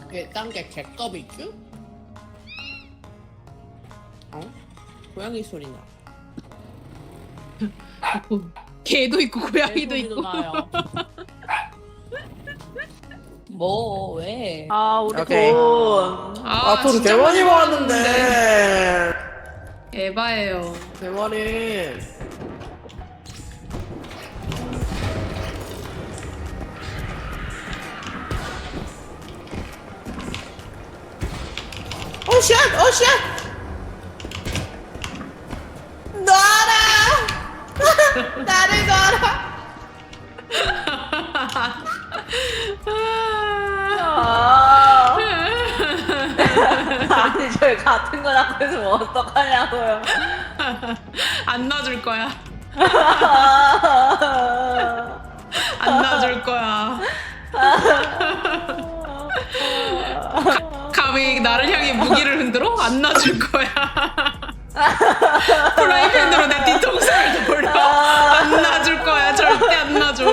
딴게 개꺼비쭈? 어? 고양이 소리 나. 개도 있고 고양이도 있고. 나요. 뭐 왜? 아 우리 오케이. 돈. 돈 진짜 대만이 많이 모았는데. 에바예요. 대만이. 오 샷! 오 샷! 놔라! 나를 놔라! 아. 아니 저희 같은 거 낳고 있으면 어떡하냐고요. 안 놔줄 거야. 안 놔줄 거야. 감히 나를 향해 무기를 흔들어? 안 놔줄 거야. 프라이팬으로 내 뒤통수를 돌려. 안 놔줄 거야. 절대 안 놔줘.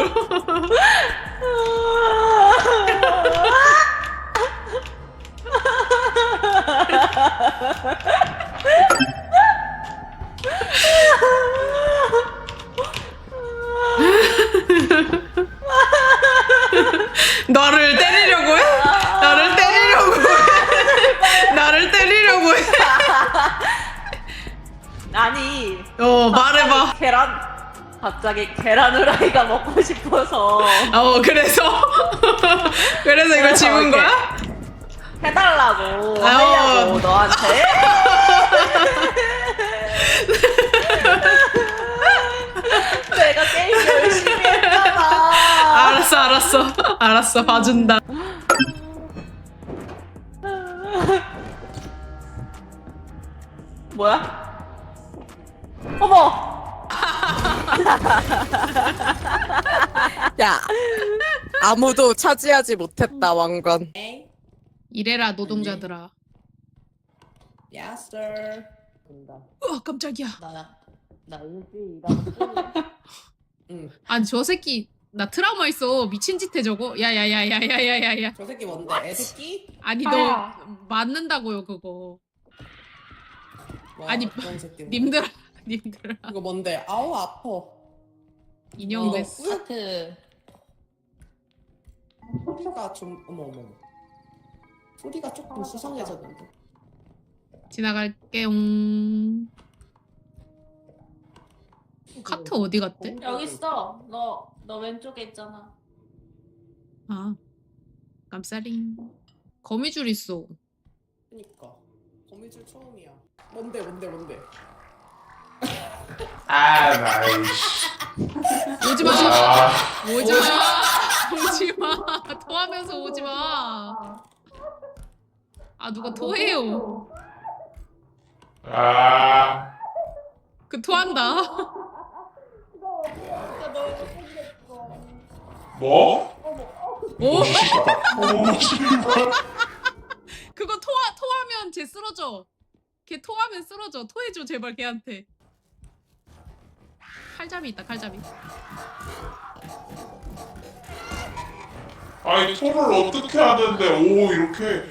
너를 때리려고 해? 나를 때리려고 해? 나를 때리려고 해? 아니 말해봐. 갑자기 계란 후라이가 먹고 싶어서 그래서? 그래서 이걸 집은 거야? 해달라고 하려고 너한테. 내가 게임 열심히 했잖아. 알았어 봐준다. 뭐야? 어머! 야, 아무도 차지하지 못했다 왕관. 이래라 노동자들아. 야스. 된다. 깜짝이야. 나 일주일 일하고. 응. 아니 저 새끼 나 트라우마 있어. 미친 짓 해 저거. 야야야야야야야야. 저 새끼 뭔데? 애새끼? 아니 너 맞는다고요 그거. 뭐, 아니, 어떤 새끼? 님들아. 이거 뭔데? 아우 아파. 인형 이거 됐어. 하트. 소리가 좀 어머. 소리가 조금 수상해졌는데. 지나갈게요. 카트 어디 갔대? 여기 있어. 너 왼쪽에 있잖아. 아 깜싸링. 거미줄 있어. 그니까 거미줄 처음이야. 뭔데? 오지마. 아, 오지마. 토하면서 오지마. 아 누가 토해요. 그 토한다. 뭐? 오? 씨발. 그거 토하면 쟤 쓰러져. 걔 토하면 쓰러져. 토해줘 제발 걔한테. 칼잡이 있다 칼잡이. 아니 토를 어떻게 하는데 오 이렇게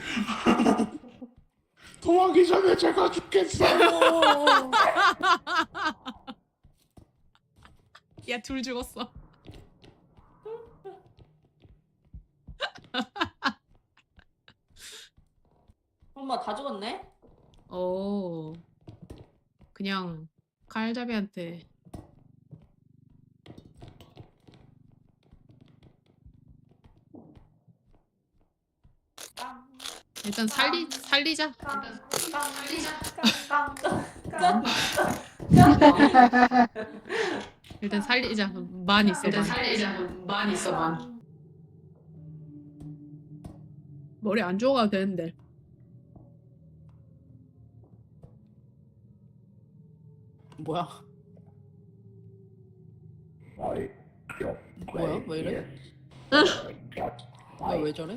토하기 전에 제가 죽겠어요. 야 둘 죽었어. 엄마 다 죽었네? 그냥 칼잡이한테. 일단 살리자. 일단 살리자. 만 있어. 만. 머리 안 좋아가도 되는데. 뭐야? 뭐야? 왜 이래? 왜 저래?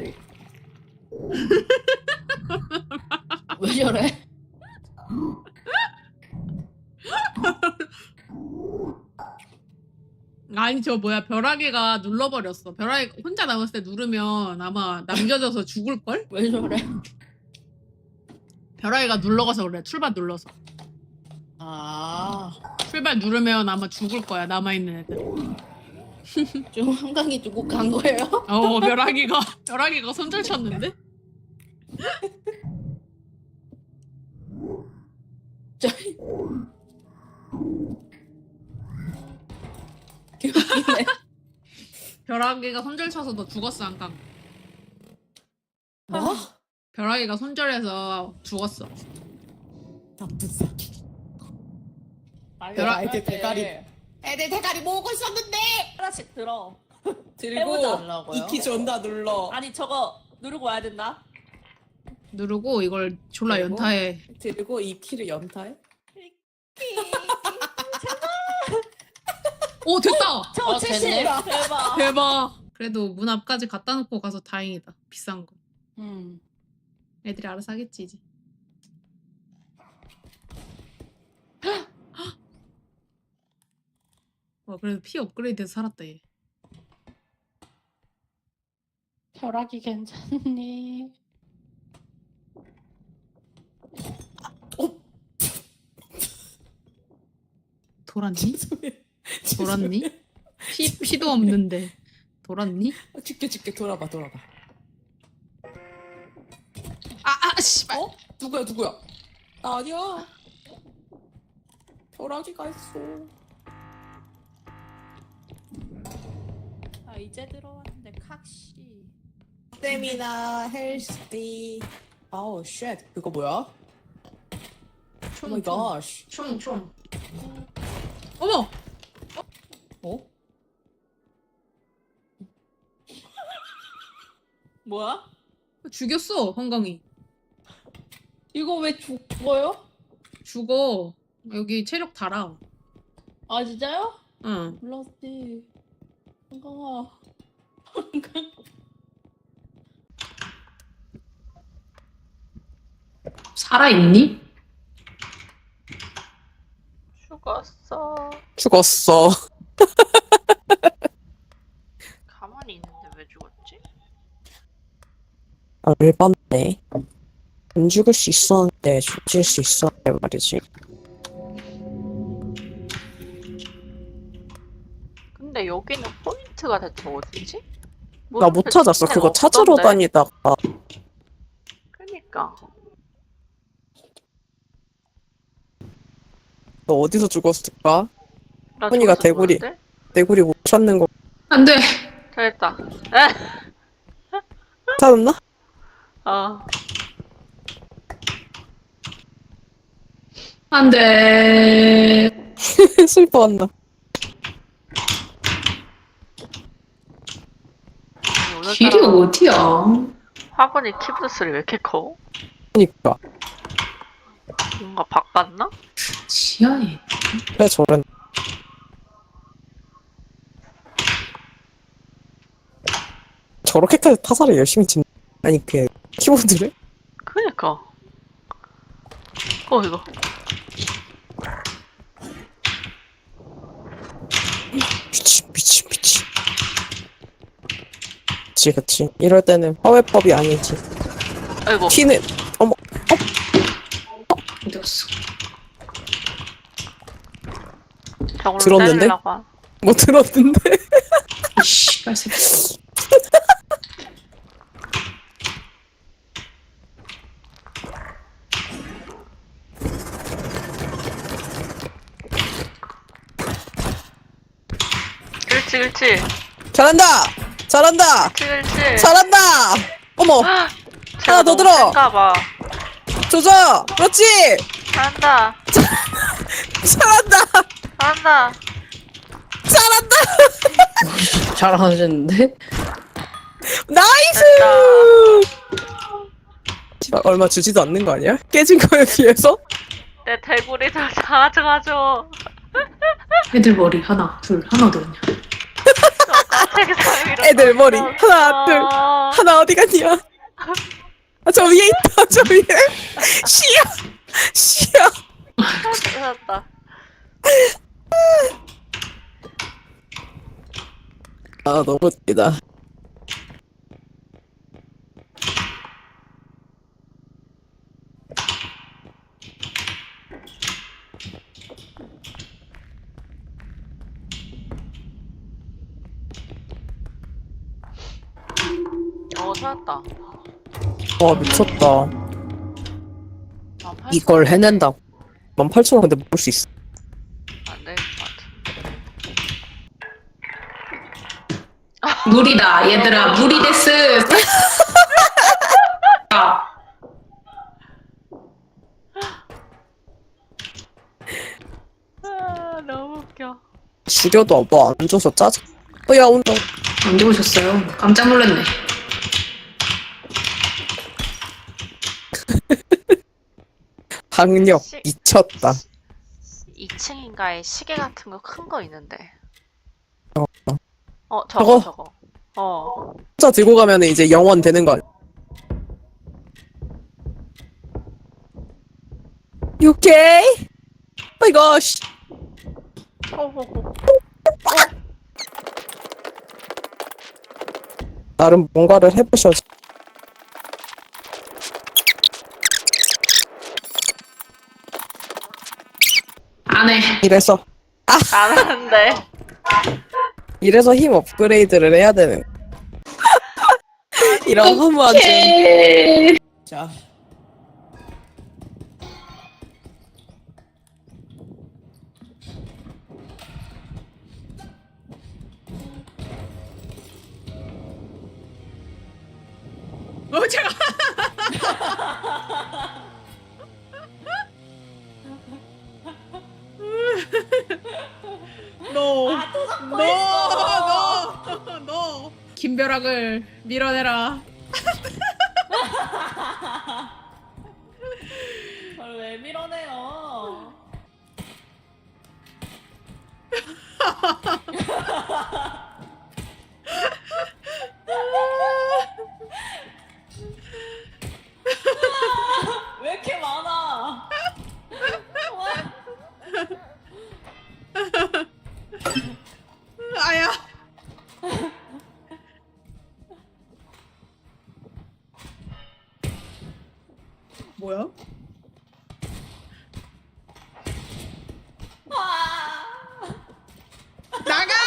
왜 저래? 아니 저 뭐야 벼락이가 눌러버렸어. 벼락이 혼자 남았을 때 누르면 아마 남겨져서 죽을걸? 왜 저래? 벼락이가 눌러가서 그래. 출발 눌러서. 아, 출발 누르면 아마 죽을 거야 남아있는 애들. 좀 한강이 두고 간 거예요? 벼락이가 손절 쳤는데? 저희 개웃기네. 벼락이가 손절 쳐서 너 죽었어 한강. 뭐? 벼락이가 손절해서 죽었어. 나쁜 새끼. 벼락- 애들 대가리. 애들 대가리 모으고 있었는데. 하나씩 들어. 들고 해보자. 이키 존나 눌러. 아니 저거 누르고 와야 된다. 누르고 이걸 졸라 그리고? 연타해. 들고 이 키를 연타해? 오 됐다. 저 70. 됐네. 대박. 대박. 그래도 문 앞까지 갖다 놓고 가서 다행이다. 비싼 거. 음. 애들이 알아서 하겠지 이제. 와 그래도 피 업그레이드해서 살았다 얘. 벼락이 괜찮니? 돌았니? 돌았니? 피도 없는데 돌았니? 죽게 돌아봐. 아 씨발. 어? 누구야? 나 아니야. 벼락이가 있어. 아 이제 들어왔는데 칵시. 스태미나 헬스티. 아우 쉣. 그거 뭐야? 오 마이 갓. 총. 어머. 어? 뭐야? 죽였어 한강이. 이거 왜 죽어요? 죽어. 여기 체력 달아. 아 진짜요? 응. 몰랐지. 한강아. 살아있니? 죽었어. 가만히 있는데 왜 죽었지? 아, 열받네. 안 죽을 수 있었는데 죽일 수 있었는데 말이지. 근데 여기는 포인트가 대체 어디지? 나 못 찾았어. 그거 찾으러 다니다가. 그니까. 너 어디서 죽었을까? 나 혼이가 저기서 대구리. 보는데? 내구리 못 찾는 거 안돼. 잘했다. 찾았나? 어. 안돼. 슬퍼한다. 길이 어디야? 화분이 키보드 소리 왜 이렇게 커? 그니까. 뭔가 바꿨나? 지하에. 왜 저런. 저렇게까지 타사를 열심히 친. 아니, 그, 키보드를? 그니까. 이거. 미친. 그치. 이럴 때는 화웨법이 아니지. 아이고. 키는, 어머, 어디 갔어? 저걸로 들었는데? 때리려고 한- 뭐 들었는데? 이씨 빨새. 그렇지. 잘한다! 그렇지. 잘한다! 어머, 하나 더 들어! 봐. 조져! 그렇지! 잘한다. 잘한다! 잘하셨는데? 나이스! 씨발, 얼마 주지도 않는 거 아니야? 깨진 거에 비해서? 내 대구리 좀 가져가줘. 애들 머리 하나 하나 더 있냐? 책상 위로 애들 머리 던졌어. 하나 어디 갔냐? 아, 저 위에 있다, 저 위에. 씨야. 찾았다. 아, 너무 웃기다. 찾았다. 와, 미쳤다. 이걸 해낸다고. 18,000원 근데 먹을 수 있어. 안 될 것 같아. 물이다 얘들아 물이 데스. 아, 아, 너무 웃겨. 죽여도 뭐 안 줘서 짜증. 야, 온다. 언제 오셨어요? 깜짝 놀랐네. 학력 미쳤다. 2층인가에 시계 같은 거 큰 거 있는데. 저거? 저거. 어. 혼자 들고 가면 이제 영원 되는 거 아니야? You okay? Oh my gosh. 호호호. 나름 뭔가를 해보셔야지. 안해. 이래서 안 하는데. 이래서 힘 업그레이드를 해야 되는. 이런 허무한 점. 자. 제가 너, 너, 김벼락을 밀어내라. 저를 왜 밀어내요? 왜 이렇게 많아? 아야. 뭐야? 나가!